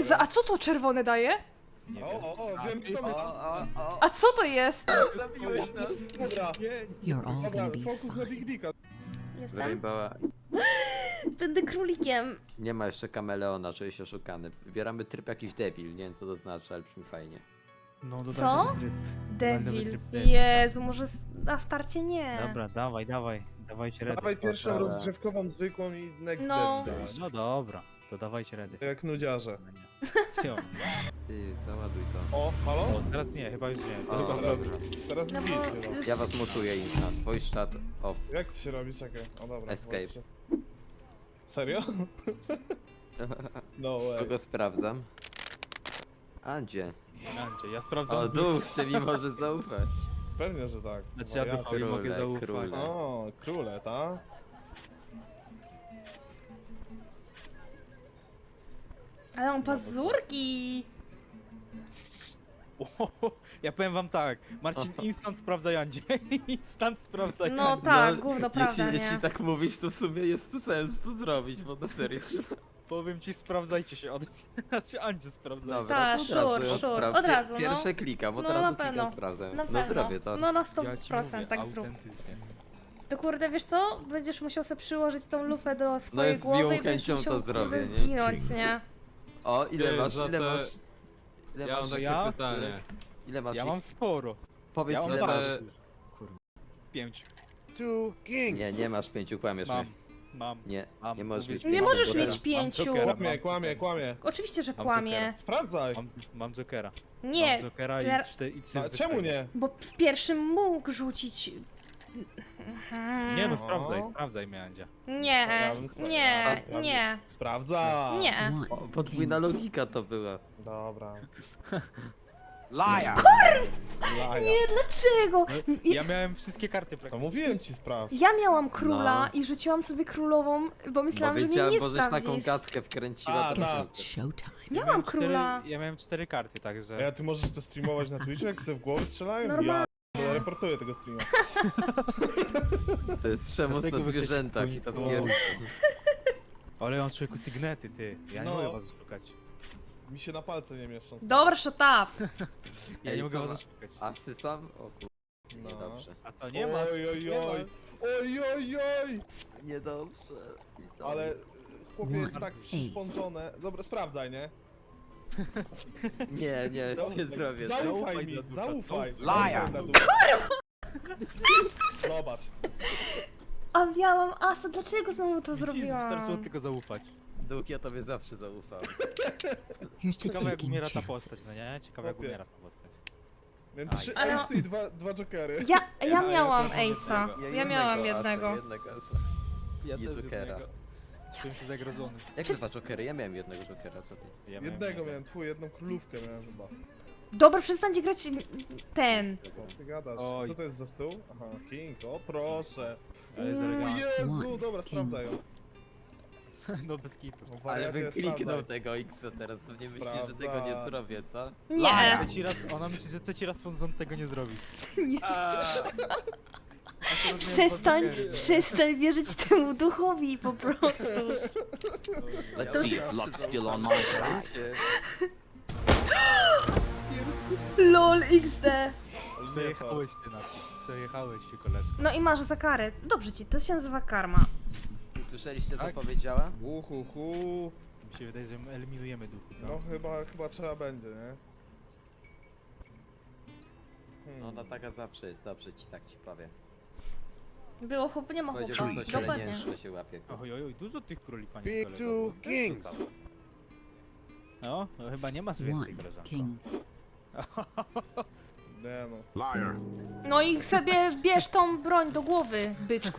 a co to czerwone daje? Nie wiem. O, wiem kto jest. A co to jest? Zabiłeś nas. Dobra, You're all dobra, gonna be fokus na fine. Big Dicka. Jestem. Rainbowa. Będę królikiem. Nie ma jeszcze kameleona, czuję się oszukany. Wybieramy tryb jakiś debil, nie wiem co to znaczy, ale brzmi fajnie. No, dodaj Co? nowy tryb. Devil. tryb Devil, Jezu, może na starcie nie. Dobra, dawajcie redy. Dawaj pierwszą Proszę. rozgrzewkową, zwykłą i next No. Devil dawaj. No dobra, to dawajcie redy. Jak nudziarze. Jo. Ty, załaduj to. O, halo? O, teraz nie, chyba już nie. O, To chyba teraz, dobra. teraz No zbić bo chyba. już... Ja was mutuję Insta. Twój czat off. Jak to się robi? Czekaj. O dobra. Escape. zobaczcie. Serio? No way. Kogo sprawdzam? Andzie. Andzie, ja sprawdzam. O, duch, ty mi możesz zaufać. Pewnie, że tak. Znaczy ja Wariacie. duchowi mogę króle, zaufać. króle. O, króle, ta? Ale on pazurki. Ja powiem wam tak, Marcin instant sprawdza Jandzie. Instant sprawdza No Jandzie. tak, gówno prawda, jeśli nie? tak mówisz, to w sumie jest tu sens to zrobić, bo na serio. Powiem ci, sprawdzajcie się. Znaczy Andzie sprawdzajcie. Dobra, Tak, to sure, ją sure, sprawdzę. od razu, no. Pierwsze klikam, od No, razu na klikam, pewno. sprawdzę. Na No pewno. zrobię to. No na Ja ci 100%, mówię, tak zrób. autentycznie. To kurde, wiesz co? Będziesz musiał sobie przyłożyć tą lufę do swojej No z głowy miłą i będziesz chęcią musiał to zrobię, kurde, nie? zginąć, nie? O, ile Ty, masz, za ile te- masz? Ile Ja mam masz? takie ja? pytanie. Ile masz? Ja ich? mam sporo. Powiedz ja mam ile dwa. masz. 5. Nie, nie masz 5, kłamiesz Mam. mnie. Mam. Nie, Mam. nie możesz Mówię mieć ci, Nie pięciu, możesz bo mieć teraz- 5. Jokera. Kłamie. Oczywiście, że Mam kłamie. Jokera. Sprawdzaj. Mam Jokera. Nie, Mam Jokera i teraz- 3 A czemu nie? bo w pierwszym mógł rzucić... Nie no, O. sprawdzaj mnie, Andzia. Nie, nie, nie, Sprawdza. nie. O, One podwójna logika to była. Dobra. Liar! Laja. Nie, dlaczego? Ja miałem wszystkie karty To praktycznie. mówiłem ci sprawdź. Ja miałam króla No. i rzuciłam sobie królową, bo myślałam, Bo że mnie wiedziałem, nie bo żeś taką sprawdzisz. gadkę wkręciła. A, to guess tak. it's showtime. Miałam króla. Ja miałem 4 karty, także... A ja ty możesz to streamować na Twitchu, jak sobie w głowę strzelają? Normalnie. Ja reportuję tego streama. To jest przemoc Dlaczego na wy chcecie zwierzętach i to końcu? pierdol. Ale on człowieku sygnety, ty. Ja nie No. mogę was oszukać. Mi się na palce nie mieszczą. stary. Dobra, shut up. Ja Ej, nie mogę co was ma- oszukać. Asy sam? O kur... No. Niedobrze. A co, nie ma? Oj, oj, Nie ma. oj. Oj, oj, oj. Niedobrze. Ale chłopie jest One tak przyspądzone. Dobra, sprawdzaj, nie? Nie, nie, nie zrobię tego. Zaufaj Zaufaj mi, na ducha. zaufaj. Liar. Zaufaj na ducha. Zobacz. A miałam asa, dlaczego znowu to Widzisz, wystarczyło zrobiłam? tylko zaufać. Duch, ja tobie zawsze zaufałem. Here's to Ciekawe jak taking umiera ta chances. postać, no nie? Ciekawe jak Chłopie. umiera ta postać. Miałem Aj. 3 Ale- ace i dwa jokery. Ja Ja miałam akurat mam Ace'a. jednego. Ja miałam asa, jednego. Jednego asa. Ja I też Jokera. jednego. Czułem się zagrożony. Jak dwa jokery? Ja miałem jednego jokera, co ty? Ja Jednego miałem, twój, jedną królówkę miałem chyba. Dobra, przestańcie grać ten. Co ty gadasz? Oj. Co to jest za stół? Aha, King, o proszę. Ale jest elegancko. Jezu, One, dobra, king. sprawdzaj ją. No bez kitu. No, Ale wariacie, bym kliknął sprawdzaj. tego X-a teraz, pewnie myślisz, że tego Sprawdzaj. nie zrobię, co? Nie. Trzeci raz, ona myśli, że trzeci raz on tego nie zrobi. Nie. Przestań, Przestań wierzyć temu duchowi po prostu. Let's see if luck's still on my side. LOL XD. Przejechałeś ty na to. Przejechałeś się, koleżko. No i masz za karę. Dobrze ci, to się nazywa karma. Słyszeliście, co Tak? powiedziała? Uhuhu. Mi się wydaje, że my eliminujemy duchu, co? No chyba trzeba będzie, nie? No ona taka zawsze jest, dobrze ci tak ci powiem. Było chłop, nie ma Powiedział chłopa. coś, ale nie Dokładnie. że się łapie. Oj, oj, oj, dużo tych króli, panie Big kolego. two kings. No, no chyba nie masz więcej, One koleżanko. king. Nie no. Liar. No i sobie bierz tą broń do głowy, byczku.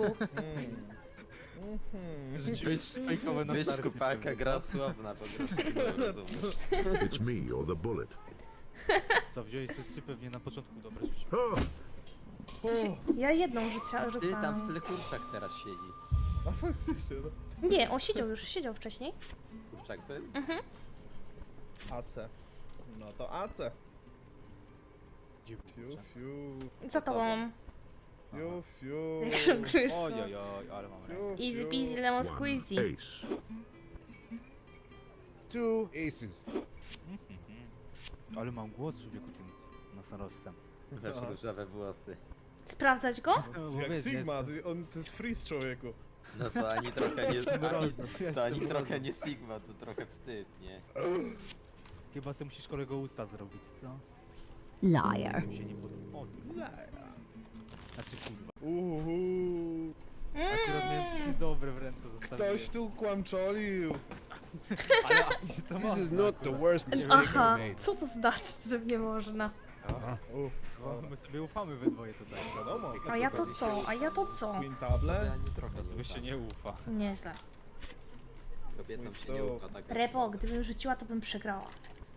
Rzuciłeś fejkowe na Wiesz, starcie. kupaka gra słowna po prostu, nie rozumiesz. It's me or the bullet. Co, wziąłeś se 3 pewnie na początku, dobra, rzuć. Oh, Ja jedną Ty tam w rzucałam. tyle kurczak teraz siedzi. A faktycznie, no. Nie, on siedział wcześniej. Kurczak był? AC. No to AC. Fiu, Dziwnie. fiu, Za tobą. fiu, fiu. Jak się gryzł. Oj, oj, oj, ale mam rękę. Fiu, Easy fiu. peasy lemon one squeezy. ace. Two aces. Ale mam głos człowieku tym nosorożcem. Masz Aha. różowe włosy. Sprawdzać go? No, Jak wiesz, Sigma, jestem- to jest freeze człowieku. No to ani trochę nie... Jestem ani, mrozem, to jestem ani trochę mrozem. nie Sigma, to trochę wstyd, nie? Chyba sobie musisz kolego usta zrobić, co? Liar. Mi się nie podoba. O, znaczy kurwa. Akurat miałem 3 dobre w ręce zostawiłem. Ktoś tu kłamczolił. Ale się to This is można not the akurat. worst mistake Aha, I made. co to znaczy, że nie można? Uff, Bo my sobie ufamy we dwoje tutaj. wiadomo. A ja to co? A ja to co? Queen To table. ani trochę nie To się ufa. nie ufa. Nieźle. Kobietom się nie ufa tak. Repo, gdybym rzuciła, to bym przegrała.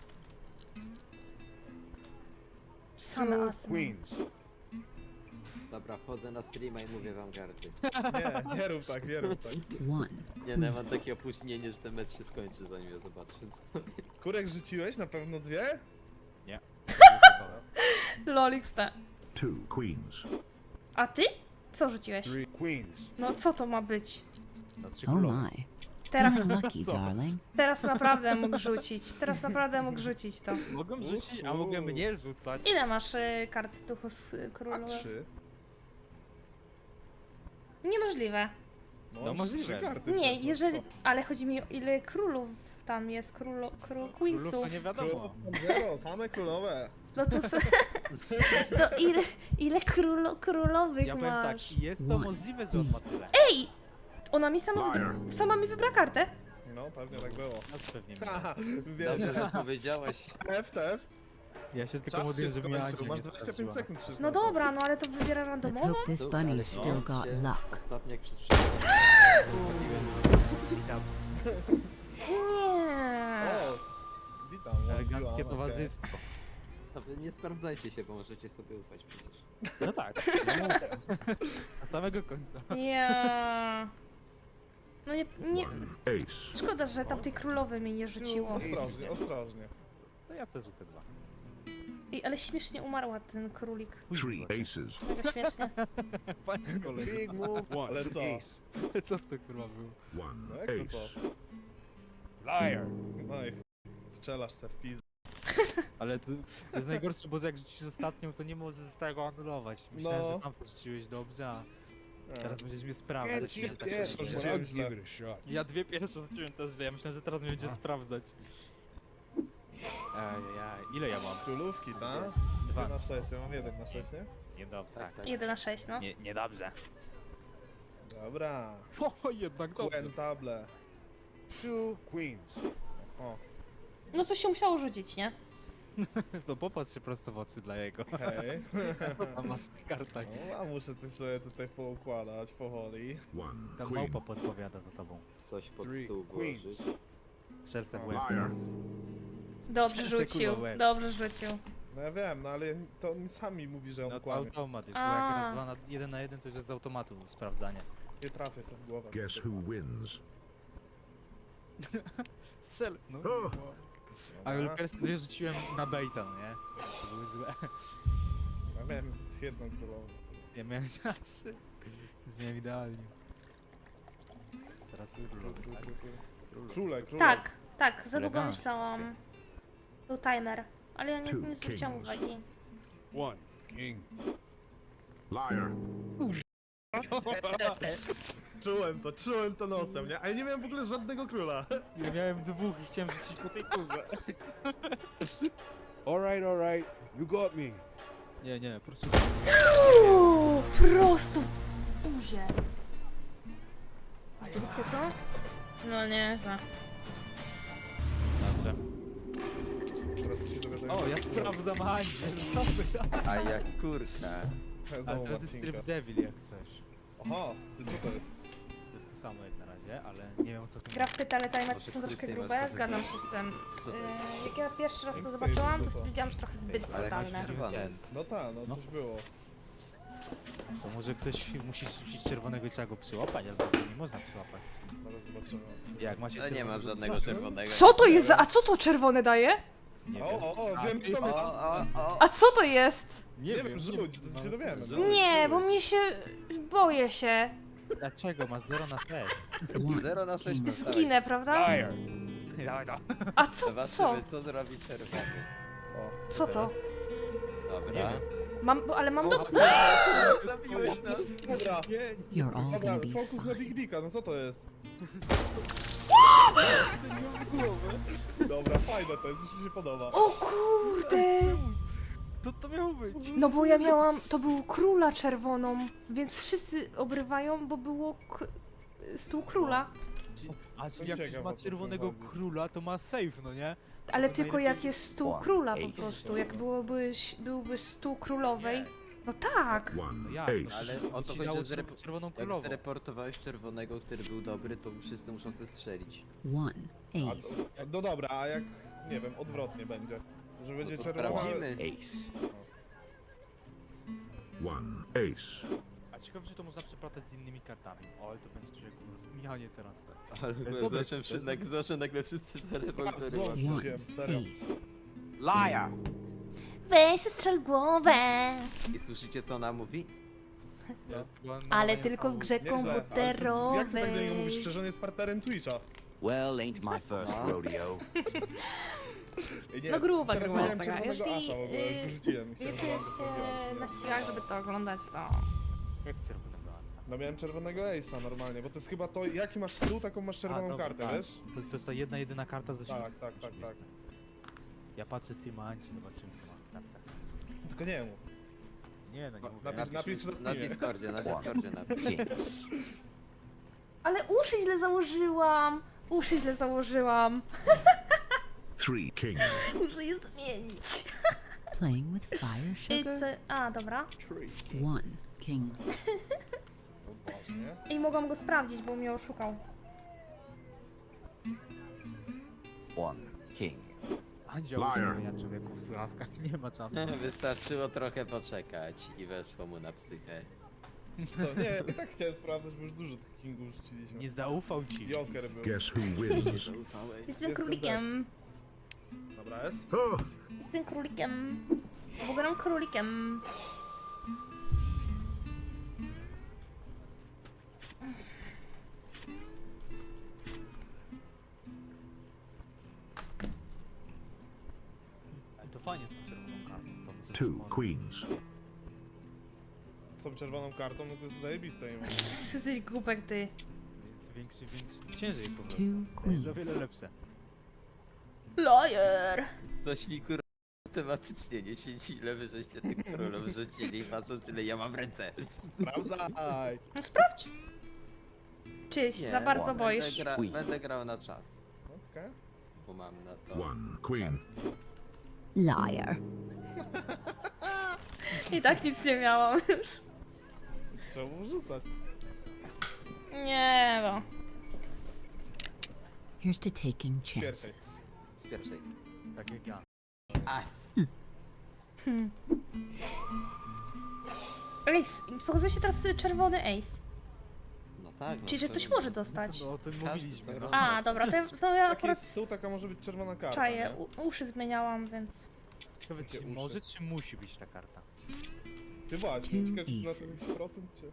Same Two asy. queens. Dobra, wchodzę na streama i mówię wam karty. Nie rób tak, nie rób tak. One. Nie, no ja mam takie opóźnienie, że ten mecz się skończy zanim ja zobaczę. Kurek rzuciłeś? Na pewno dwie? Lolix te. 2 queens. A ty? Co rzuciłeś? Three queens. No co to ma być? No 3 Oh królowe. my. Teraz, You're lucky, darling. teraz naprawdę mógł rzucić. Teraz naprawdę mógł rzucić to. Mogłem rzucić, a mogłem nie rzucać. Ile masz kart duchu z A królu? 3. Niemożliwe. No możliwe. 3 karty. Nie, przecież, jeżeli... co? Ale chodzi mi o ile królów tam jest, Królów queensów. to nie wiadomo. Królów zero, same królowe. No to, to ile królowych Ja powiem tak, masz? jest to możliwe, że on ma tyle. Ej! Ona mi sama mi wybra kartę. No, pewnie tak było. No pewnie. Haha, Dobrze, wiem. że powiedziałeś. TF. Ja się tylko Czas modliłem, się żeby mnie skończył, Andzia masz nie 25 sprawdziła. sekund przecież. No na to. dobra, no ale to wybiera Let's randomowo? hope this Tu, bunny's ale still no, got się luck. Ostatnio jak przez przypadek Witam. Nie. O, witam. Eleganckie okej. towarzystwo. to wy nie sprawdzajcie się, bo możecie sobie ufać przecież. No tak. Na samego końca. Ja. No nie. Ace. Szkoda, że tamtej królowej mnie nie rzuciło. Ostrożnie, ostrożnie. To ja sobie rzucę 2. Ej, ale śmiesznie umarła ten królik. 3 aces. Mega śmiesznie. Panie kolego. Big move. One. Ale co? Ace. Co to kurwa było? No 1 jak to ace. co? Liar. No i strzelasz se w pizdę. Ale to jest najgorsze, bo jak rzucisz ostatnią, to nie możesz z tego anulować. Myślałem, No. że tam to rzuciłeś dobrze, a teraz będziesz mnie sprawdzać. Can't Ja cheat tak that, robię. but I'll give it a shot. Ja 2 pierwsze rzuciłem też źle, ja myślałem, że teraz mnie będzie sprawdzać. Ajajaj, ile ja mam? Królówki, tak? 2. 2 na 6, ja mam 1 na 6, nie? Niedobrze. Tak. 1 na 6, no. Niedobrze. Dobra. O, jednak dobrze. Queen table. Two queens. O, No coś się musiało rzucić, nie? To popatrz się prosto w oczy dla jego. hej. Co tam masz w kartach? No, a muszę coś sobie tutaj poukładać powoli. 1 Tam queen. małpa podpowiada za tobą. Coś pod Three stół queens. włożyć. Strzelce w łeb. Liar. Dobrze Serce rzucił, kurwa łeb. dobrze rzucił. No ja wiem, no ale to on sami mówi, że No on to kłamie. automat już, bo A. jak raz 2 na 1 na 1 to już jest z automatu sprawdzanie. Nie trafię sobie w głowę. Guess who wins? Strzel! No. O! Ale Dobra. pierwsze 2 rzuciłem na baita, no nie? To były złe. Ja miałem jedną królową. Ja miałem na 3. Więc miałem idealnie. Teraz królowy, tak? Króle. Tak, tak, za długo Elegancko. myślałam. Był timer, ale ja Two nie zwróciłam kings. uwagi. One king. Liar. Czułem to nosem, nie? A ja nie miałem w ogóle żadnego króla. Ja miałem 2 i chciałem rzucić po tej kurze. All right. You got me. Nie, proszę. Prosto w buzię. Widzieliście to? No nie, znam. Dobrze. Teraz się dowiaduję. O, ja sprawdzam Andzie. A jak kurka. Ale Znowu teraz jest Marcinka. tryb devil jak chcesz. Aha, ty co to jest? To jest to samo jak na razie, ale nie wiem o co w tym Gra w pyta, ale timery Może są troszkę krócej grube, masz zgadzam się z tym. Co to jest? Jak ja pierwszy raz to Jak zobaczyłam, to stoisz, stwierdziłam, że trochę zbyt Ale jakoś brutalne. czerwone. No tak, no No. coś było. To może ktoś musi rzucić czerwonego i trzeba go przyłapać, albo nie można przyłapać. Zaraz zobaczymy. Jak macie No nie mam czerwonego- żadnego czerwonego. Co to jest? A co to czerwone daje? Nie O, wiem. o, A wiem ty- kto jest. O. A co to jest? Nie wiem, rzuć, to się dowiemy. Rzuć. Nie, bo mnie się... boję się. Dlaczego? Masz 0 na te. 0 na 6 na Zginę, prawda? Liar. Dawaj, A co, co? Zobaczymy co zrobi czerwony. O, Co to? Teraz? Nie Dobra. wiem. Ale mam do... Zabiłeś nas. dobra. You're all Dobra, gonna be fokus na fine. Big Dicka, no co to jest? Dobra, fajne to jest, już mi się podoba. O kurde! Co to miało być? No bo ja miałam... To był króla czerwoną, więc wszyscy obrywają, bo było stół króla. A To jak już ciekawe, ma o co czerwonego chodzi. króla, to ma safe, no nie? Ale To tylko najlepiej- jak jest stół króla po prostu. Jak byłby stół królowej. No tak! No One jak? ace. Ale o to Ci chodzi, dało że czerwoną jak królową. zreportowałeś czerwonego, który był dobry, to wszyscy muszą se strzelić. One A, ace. no dobra, a jak, nie wiem, odwrotnie będzie? Że będzie to czerwona... sprawdzimy. One ace. A ciekawe, czy to można przeplatać z innymi kartami. O, ale to będzie człowiek zmienianie teraz. Ale jest dobry. zawsze nagle wszyscy te rewolwery Zło, mają. One wiem, serio. ace. Liar! Weź strzel głowę! I słyszycie co ona mówi? Ale tylko w grze Nieźle, ale to, jak ty tak do komputerowej. niego mówisz, przecież on jest partnerem Twitcha. Well, ain't my first rodeo. Ej, nie, No gruba teraz gruba miałem jest taka. czerwonego Jeśli asa w ogóle, już wyrzuciłem. Chciałem, nie żeby on czujesz to się zrobił. na siłach, żeby to oglądać, to... Jak czerwonego asa? No miałem czerwonego ace'a normalnie, bo to jest chyba to, jaki masz stół, taką masz czerwoną dobra, kartę, tak. wiesz? To jest ta jedyna karta ze Tak, tak, tak, tak. Ja patrzę z Steama Anci, zobaczymy co ma kartę. Tylko nie mów. Nie, no nie mówię. Napisz na Na Steamie. Discordzie, na Discordzie napisz. Ale uszy źle założyłam! Uszy źle założyłam! Three kings. Muszę je zmienić. Playing with fire sugar. A, dobra. One king. Odważnie. I mogłam go sprawdzić, bo mnie oszukał. One king. Andzia Liar. zmienia człowieku w słuchawkach, nie ma czasu. Wystarczyło trochę poczekać i weszło mu na psychę. To nie, ja tak chciałem sprawdzać, bo już dużo tych kingów rzuciliśmy. Nie zaufał ci. Joker był. Guess who wins? Jestem królikiem. Dobra, S. Oh, Jestem królikiem. Bo gram królikiem. Ale to fajnie z tą czerwoną kartą. To co two może. queens. Z tą czerwoną kartą, no to jest zajebiste. Nie ma. Jesteś głupek, ty. Jest większy, ciężej jest po prostu. Two To jest o queens. wiele lepsze. Liar! Coś mi kur... tematycznie nie siedzi, ile wy żeście tych królów rzucili, patrząc ile ja mam w ręce. Sprawdzaj. No sprawdź. Czy się Nie, za bardzo będę boisz? Będę grał na czas, Okej. bo mam na to... One queen. Liar. I tak nic nie miałam już. Trzeba mu rzucać. Nie no. Here's to taking Pierwszej. chances. Z pierwszej. Tak jak ja. As! Ace. Pokazuje się teraz czerwony ace. No tak, no Czyli, że to- ktoś może dostać. No o tym Każdy mówiliśmy. co No. A, dobra, to ja Jak akurat jest stół, taka może być czerwona karta, czaję. nie? Uszy zmieniałam, więc... Ciekawe, Takie czy uszy. może, czy musi być ta karta? Ty właśnie, Two ciekawe czy na aces. ten procent czy...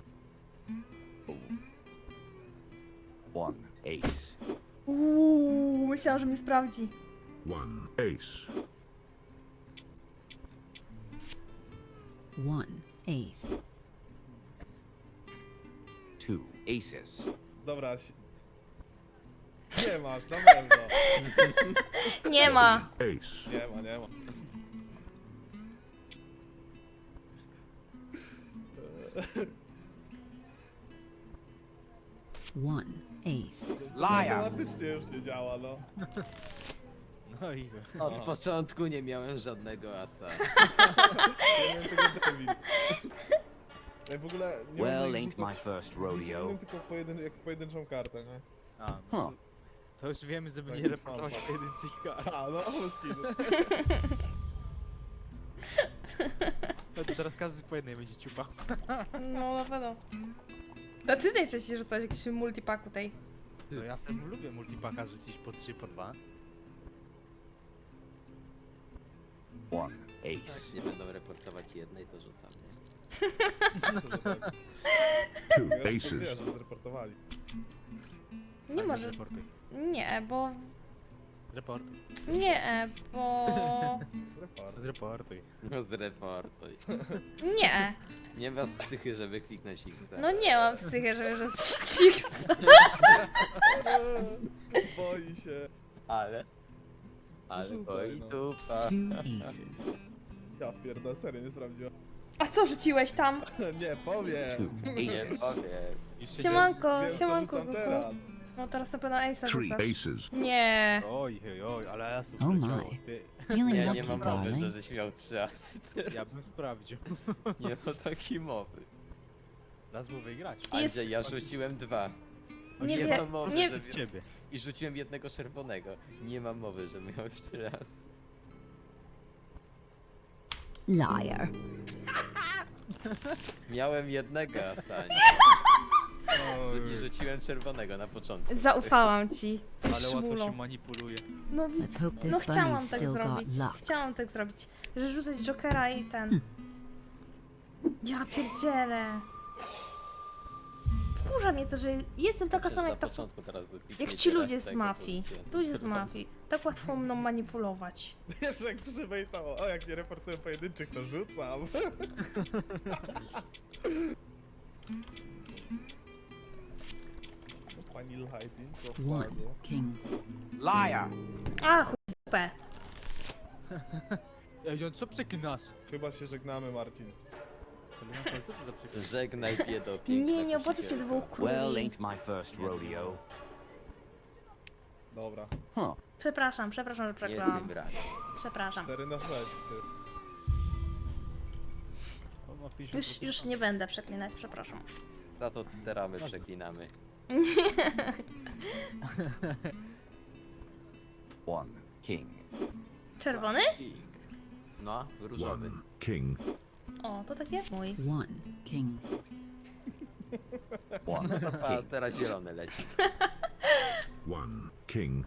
One ace. Myślałam, że mnie sprawdzi. One ace. One ace. Two aces. Dobra, nie masz, na pewno. Nie ma. Ace. Nie ma, nie ma. One ace. Automatycznie już nie działa, no. No i... Od początku nie miałem żadnego asa. Nie miałem tego Devil. Ja w ogóle nie Well, można ich ain't my rzucać first z rodeo. innym, tylko jak pojedynczą kartę, nie? A, no. Huh. To już wiemy, żeby Tak, nie reportować tak. pojedynczych kart. A, no, bez kitu. No to teraz każdy po jednej będzie ciupał. No na pewno. To ty najczęściej rzucałeś jakiś multipaku tej. No ja sam lubię multipaka rzucić po 3, po 2. One Jak ace. nie będą reportować jednej, to rzucam, nie? Two Ja już aces. wiesz, że zreportowali. Nie może. Reportuj. Nie, bo... Report. Nie, bo... Report. Zreportuj. No zreportuj. Nie, Nie masz psychy, żeby kliknąć X. no nie mam psychy, żeby rzucić ich. Boi się. Ale Rzucaj, boi no. dupa. 2 aces. Ja pierdolę, serio nie sprawdziłem. A co rzuciłeś tam? Nie, powiem. Two Nie aces. powiem. Już się Siemanko, Wiem, co siemanko. rzucam kuku. teraz. No teraz na pewno Ace'a 3 rzucasz. aces. Nie. Oj, oj, oj, ale ja super Oh leciało. my. Ty, Feeling Nie, lucky, nie mam mowy, że darling. żeś miał 3 asy. ja bym sprawdził. Nie ma takiej mowy. Raz był wygrać. Jest- Andrzej, ja rzuciłem 2. Nie nie wie- mam mowy, nie- że Od ciebie. I rzuciłem jednego czerwonego. Nie mam mowy, że miał jeszcze raz. Liar. Miałem jednego asa. I rzuciłem czerwonego na początku. Zaufałam ci. Ale łatwo Szmulo. się manipuluje. No, Let's hope no this chciałam bunny's tak still got zrobić. luck. Chciałam tak zrobić. Że rzucać Jokera i ten. Ja pierdzielę. Wkurza mnie to, że jestem taka sama jak ta... Jak ci ludzie z mafii. Ludzie z mafii. Tak łatwo mną manipulować. Jeszcze jak przybejtało. O, jak nie reportuję pojedynczych, to rzucam. Pani Lighting, to 1 wpadło. king. Liar. A, chupę. Ej, on co przeklinasz? Chyba się żegnamy, Marcin. Ale co ty za przeklinasz? Żegnaj biedo, piękna Nie, nie opłaca się kusicielka. dwóch Well, króli. ain't my first rodeo. Dobra. Huh. Przepraszam, że Nie przeklałam. tym razem. Przepraszam. 4 na 6, ty. On ma 50%. Już nie będę przeklinać, przepraszam. Za to teraz my przeklinamy. One king. Czerwony? King. No, różowy. 1 king. O, to tak jak mój. 1 king. One A king. teraz zielony leci. 1 king.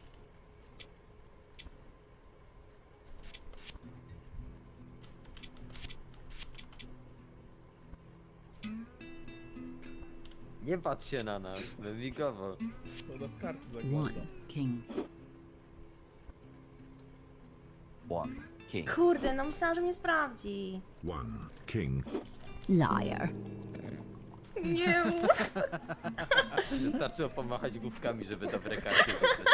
Nie patrz się na nas, wymigowo. To w karty 1 zagląda. king. One king. Kurde, no myślałam, że mnie sprawdzi. 1 king. Liar. Nie mów. Wystarczyło pomachać główkami, żeby dobre karty wybrać.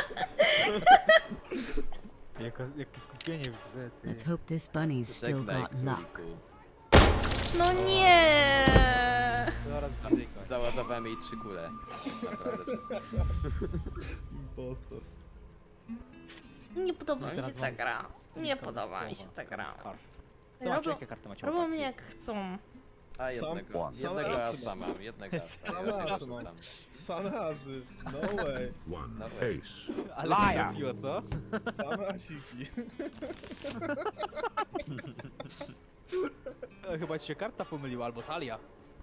Jakie skupienie w grze, ty. Let's hope this bunny's still Żegnaj, got luck. króliku. No nie. Coraz bliżej końca. Załadowałem jej 3 kule. Naprawdę. Impostor. Nie podoba mi się teraz ta mam gra. Nie kilka podoba mi się słowa. ta gra. Kart. Co macie, Robią, jakie karty macie? robią chłopaki? mnie jak chcą. A jednego, Sam jednego asy asa mam, jednego asa. Sam Ja już asy nie mam. rzucam. Same asy. No way. 1 Dawaj. ace. Ale się Liar. trafiło, co? Same asiki. Chyba ci się karta pomyliła, albo talia.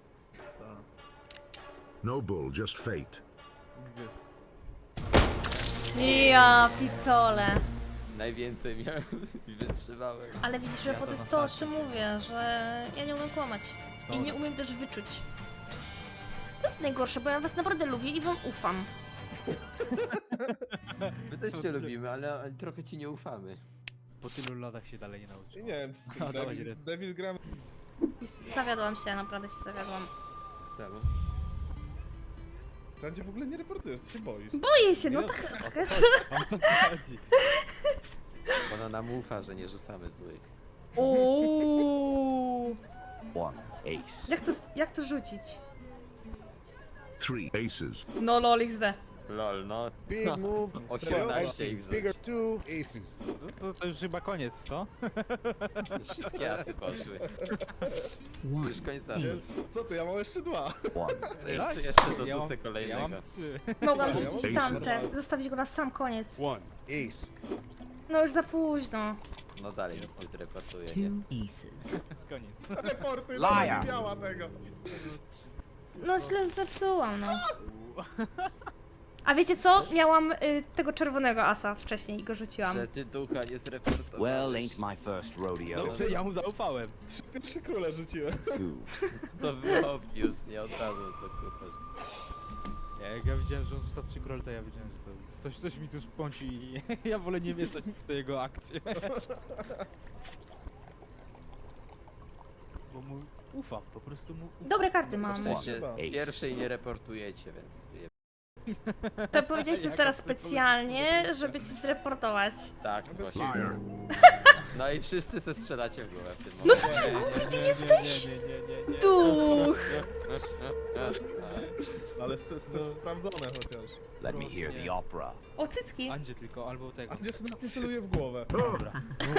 No bull, just fate. Ja pitole. Najwięcej miałem i wytrzymałem. Ale widzisz, że Ja po to to jest na to, o sam. czym mówię, że ja nie umiem kłamać. I nie umiem też wyczuć. To jest najgorsze, bo ja was naprawdę lubię i wam ufam. My też cię lubimy, ale trochę ci nie ufamy. Po tylu latach się dalej nie I nauczył. nie wiem, z tym A, dawaj, Devil, Red. Devil gram. I zawiodłam się, naprawdę się zawiodłam. Czemu? Tam w ogóle nie reportujesz, ty się boisz. Boję się, no Nie, tak jest. O to chodzi. Bo ona nam ufa, że nie rzucamy złych. Uuu. One ace. Jak to rzucić? 3 aces. No lol XD. Lol, no. Big move. 18 ich Bigger 2 aces. To już chyba koniec, co? Wszystkie asy poszły. 1 Już końca. ace. Co ty, ja mam jeszcze 2. One To jeszcze Ja mam, dorzucę kolejnego. ja mam 3. Mogłam Ja rzucić mam tamte, ace. zostawić go na sam koniec. 1 ace. No już za późno. No dalej nic nie zreportuję, 2 nie? aces. Koniec. Reportuj, Liar. nie miała tego. No źle zepsułam, no. A wiecie co? Miałam tego czerwonego asa wcześniej i go rzuciłam. Że ty ducha nie zreportowałeś. Well, ain't my first rodeo. Dobrze, ja mu zaufałem. 3 pierwsze króle rzuciłem. Two. To było obvious, nie od razu co kupasz. Jak ja widziałem, że on rzuca 3 króle, to ja wiedziałem, że to jest... Coś mi tu spąci i ja wolę nie mieszać w te jego akcje. Bo mu ufam, po prostu mu ufam. Dobre karty mam. Szczęście Chyba. pierwszej nie reportujecie, więc... To powiedziałeś to teraz specjalnie, żeby cię zreportować. Tak, właśnie. Liar. No i wszyscy se strzelacie w głowę w tym No momencie. co ty głupi ty jesteś? jesteś? Duch! Ale to jest sprawdzone chociaż. Let me hear the opera. O, cycki. Andzie tylko, albo tego. A gdzie sobie nie celuje w głowę? Dobra.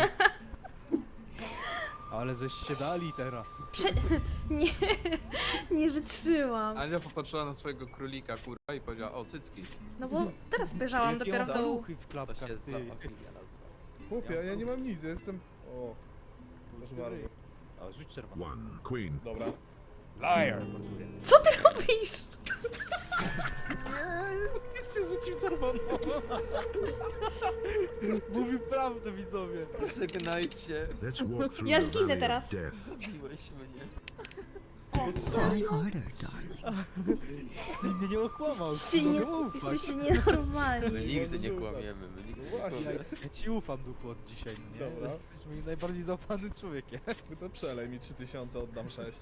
Ale żeście dali teraz. Nie, nie wytrzymam. Andzia popatrzyła na swojego królika, kurwa, i powiedziała, o, cycki. No bo teraz spojrzałam Jakie dopiero on w dół. ruchy w To klapkach, się ty. zoofilia nazywa. Chłopie, ja nie mam nic, ja jestem... O, proszę bardzo. O, rzuć czerwoną. One. Queen. Dobra. Liar. Co ty robisz? Nic się rzucił czerwoną. Mówił prawdę, widzowie. Żegnajcie. Let's walk through Ja the zginę valley teraz. of death. Zabiłeś mnie. Try harder, darling. Ty mnie nie okłamał. Jesteście nienormalni. My nigdy nie kłamiemy, my nigdy nie Właśnie. kłamiemy. Ja ci ufam, duchu, od dzisiaj, no nie? Dobra. Jesteś moim najbardziej zaufanym człowiekiem. Ty to przelej mi 3000, oddam 6.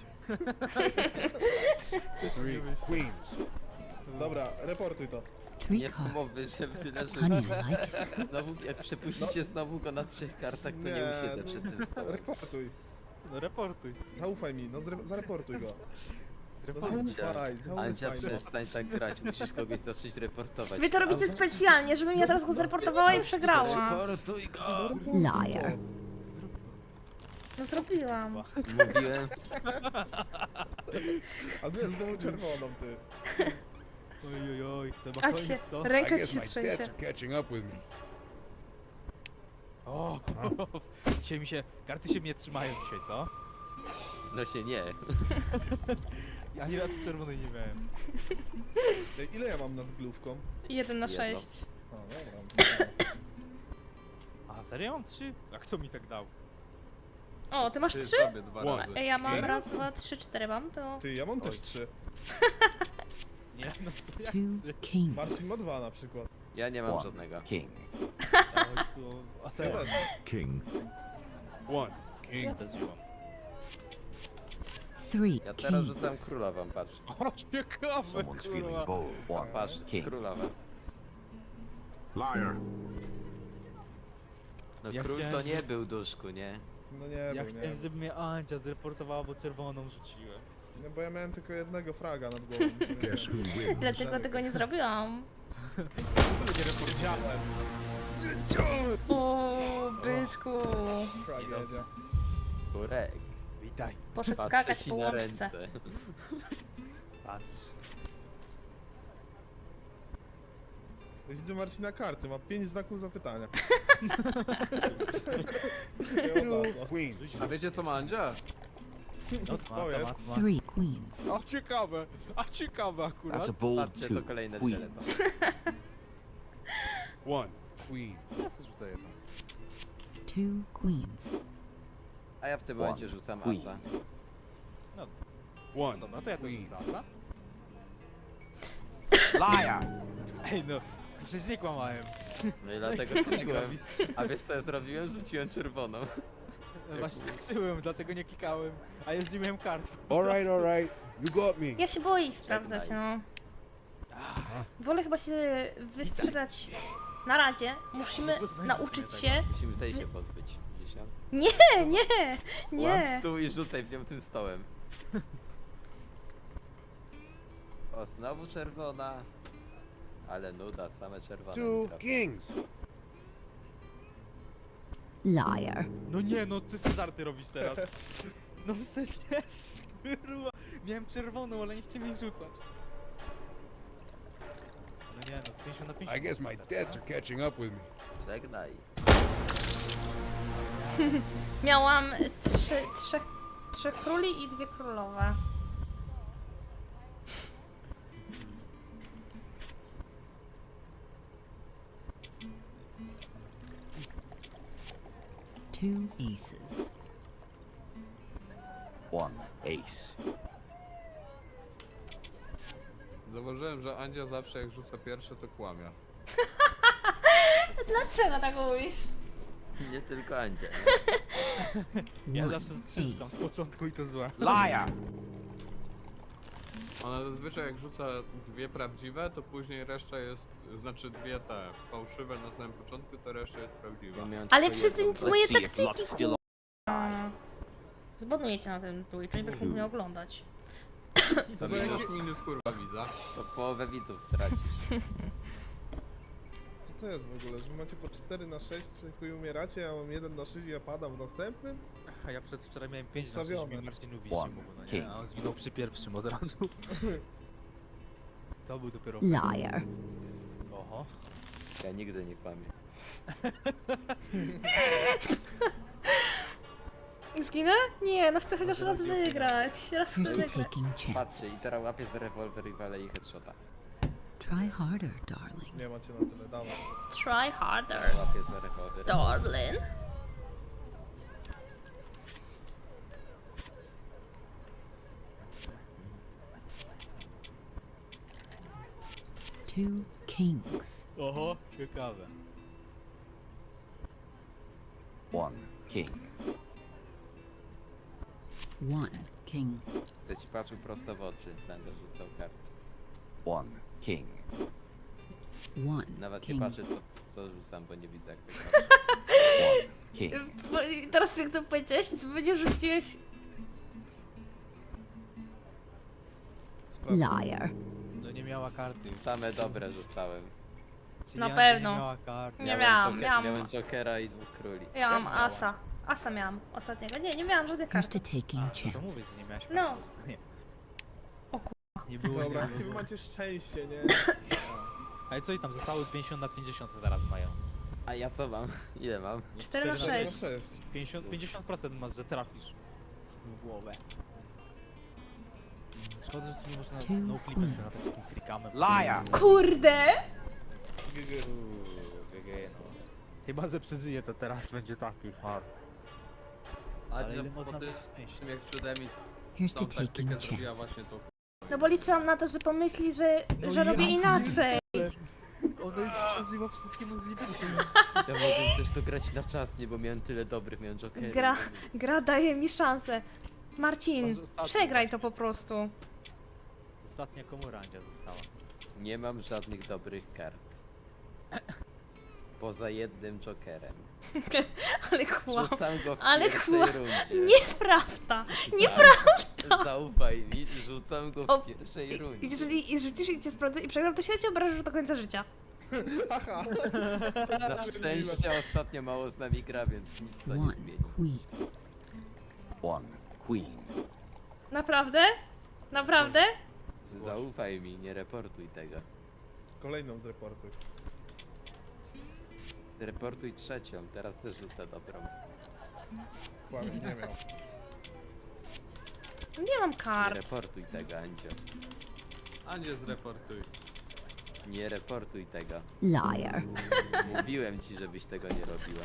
3 queens. Dobra, reportuj to. Three Nie cards. mowy, że tyle, że... Honey, I like it. Znowu, jak przepuścicie znowu go na 3 kartach, to nie usiedzę przed tym stołem. Reportuj. No reportuj. Zaufaj mi, no zareportuj go. No Zreportuj. zaufaj, Ancia, zaufaj. No. przestań tak grać, musisz kogoś zacząć reportować. Wy to robicie specjalnie, żebym ja teraz go zreportowała i przegrała. Reportuj go! Liar. No zrobiłam. Mówiłem, A nie, znowu czerwoną, ty. Oj, oj, oj, to ma A koniec, się, co? I ręka ci guess się my debts trzęsie. are catching up with me. O, dzisiaj mi się, karty się mnie trzymają dzisiaj, co? no się nie. Ja ani razu czerwonej nie miałem. Ej, ile ja mam nad główką? 1 na Jedno. 6. O, dobra. A serio mam 3? A kto mi tak dał? O, ty masz Ty 3? sobie 2 One. razy. Ej, ja mam Serio? raz, 2, 3, 4 mam, to... Ty, ja mam też Oj. 3. Nie, no co jak Two 3? kings. Marcin ma 2 na przykład. Ja nie mam One. żadnego. King. A Ja teraz też. King. 1 ja king. też żyłam. Three Ja teraz rzucam kings. królową, patrz. O, ciekawe, Someone's feeling kurwa. bold. One. Patrz, King. królowa. Liar. No Ja król to chciałem, nie był duszku, nie? No nie Ja był, nie. chciałem, żeby mnie Ancia zreportowała, bo czerwoną rzuciłem. No bo ja miałem tylko jednego fraga nad głową. Guess who wins? Dlatego tego nie zrobiłam. Nie reportowałem. O, byczku. Tragedia. Kurek. Witaj. Poszedł Patrzę skakać ci po na łączce. ręce. Patrz. Widzę Marcina karty, ma 5 znaków zapytania. 2 queens. A wiecie co ma Andzia? No, To jest. Three queens. A ciekawe akurat. That's a bold Patrzcie, to two. kolejne dwie Queen. lecą. 1 queen. Ja sobie rzucę jedną. Two queens. A ja w tym momencie rzucam Queen. asa. 1 Dobra, to ja też queen. rzucę asa. Liar. Ej no, przecież nie kłamałem. No i dlatego klikłem. A wiesz co ja zrobiłem? Rzuciłem czerwoną. Właśnie liczyłem, dlatego nie klikałem. A ja nie miałem kart. Alright. You got me. Ja się boję ich sprawdzać, no. Wolę chyba się wystrzelać na razie. Musimy nauczyć się... Musimy tej się pozbyć. Widzisz ją? Nie, Łap nie. stół i rzucaj w nią tym stołem. O, znowu czerwona. Ale nuda, same czerwone. 2 kings. Liar. No nie, no ty sobie żarty robisz teraz. No przecież, kurwa. Miałem czerwoną, ale nie chciałem jej rzucać. No nie, no 50 na 50. I guess my debts are catching up with me. Żegnaj. Miałam trzech króli i 2 królowe. Two aces. One. Ace. Zauważyłem, że Andzia zawsze jak rzuca pierwsze, to kłamie. Dlaczego tak mówisz? Nie tylko Andzia. Ja One zawsze strzyżam z ace. początku i to złe. Liar. Ona zazwyczaj jak rzuca dwie prawdziwe, to później reszta jest, znaczy dwie te fałszywe na samym początku, to reszta jest prawdziwa. Ja miałem Ale tylko przez jedną. moje Let's see if taktyki, luck's still Zbanuję cię na tym Twitchu, nie będziesz mógł mnie oglądać. To minus minus kurwa widza. To połowę widzów stracisz. Co to jest w ogóle, że wy macie po 4 na 6, chuj umieracie, ja mam 1 na 6 i ja padam w następnym? A ja przedwczoraj miałem 5 na 6, Ustawione. mi Marcin ubiście One mógł, no king. nie? A on zginął przy pierwszym od razu. To był dopiero... Liar. Oho. Ja nigdy nie kłamię. Zginę? Nie, no chcę chociaż raz wygrać. Raz chcę Here's to wygrać. taking Patrzcie, i chances. teraz łapię z rewolwer i walę i headshota. Try harder, darling. Nie macie na tyle, dawaj. Try harder, Łapię z rewolwer. darling. Two kings. Oho, ciekawe. One king. One king. Będę ci patrzył prosto w oczy, będę rzucał kartę. One king. One Nawet nie king. patrzę co rzucam, bo nie widzę jak to gra. One king. Bo teraz jak to powiedziałeś, to będzie rzuciłeś... Liar. No nie miała karty. Same dobre rzucałem. Cylianka pewno. Nie miała karty. Nie miałam. Miałem Jokera i 2 króli. Ja mam asa. Asa miałam ostatniego. Nie miałam żadnych Here's kart. to taking A, to mówię, że nie chances. miałaś No. karty. Nie. O Nie było, Dobra, nie jakie wy było. macie szczęście, nie? Ale co i tam, zostały 50 na 50 teraz mają. A ja co mam? Ile mam? 4 na 4 6. 50% masz, że trafisz w głowę. Szkoda, że tu nie można Two no clipem sobie na queens. takim freakamem. Liar. Kurde! Chyba, że przeżyje, to teraz będzie taki hard. Ale Andzia ile po można tym być szczęścia? jak sprzedałem mi Here's to tą taking taktykę zrobiła właśnie chances. to. No bo liczyłam na to, że pomyśli, że No robię ja inaczej. Ona już przeżywa wszystkie możliwe. Ja mogłem też to grać na czas, nie, bo miałem tyle dobrych, miałem Jokera. Gra daje mi szansę. Marcin, Bardzo ostatnio przegraj to po prostu. Ostatnia komora Andzia została. Nie mam żadnych dobrych kart. Poza jednym Jokerem. Ale kłam. Rzucam go w Ale pierwszej kłam. rundzie. Nieprawda. Zaufaj mi, rzucam go O, w pierwszej rundzie. Jeżeli rzucisz i cię sprawdzę i przegram, to się cię obrażasz do końca życia. Haha. Na szczęście ostatnio mało z nami gra, więc nic to nie One zmieni. queen. One queen. Naprawdę? Naprawdę? Zaufaj mi, nie reportuj tego. Kolejną z reportu. Reportuj trzecią, teraz też rzucę dobrą. Kłamie, nie miał. Nie mam Nie kart. reportuj tego, Andzio. Andzie zreportuj. Nie reportuj tego. Liar. Mówiłem ci, żebyś tego nie robiła.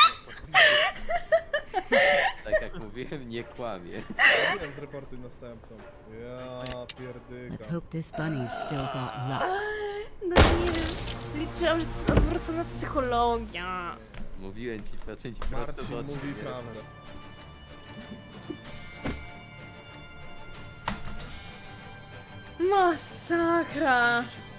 Tak jak mówiłem, nie kłamie. Mówiłem z reportu następną. Ja Let's pierdyka. hope this bunny's still got luck. No nie wiem. Liczyłam, że to jest odwrócona psychologia. Mówiłem ci, patrzę ci prosto w Marcin oczy. mówi nie? prawdę. Masakra. Mi się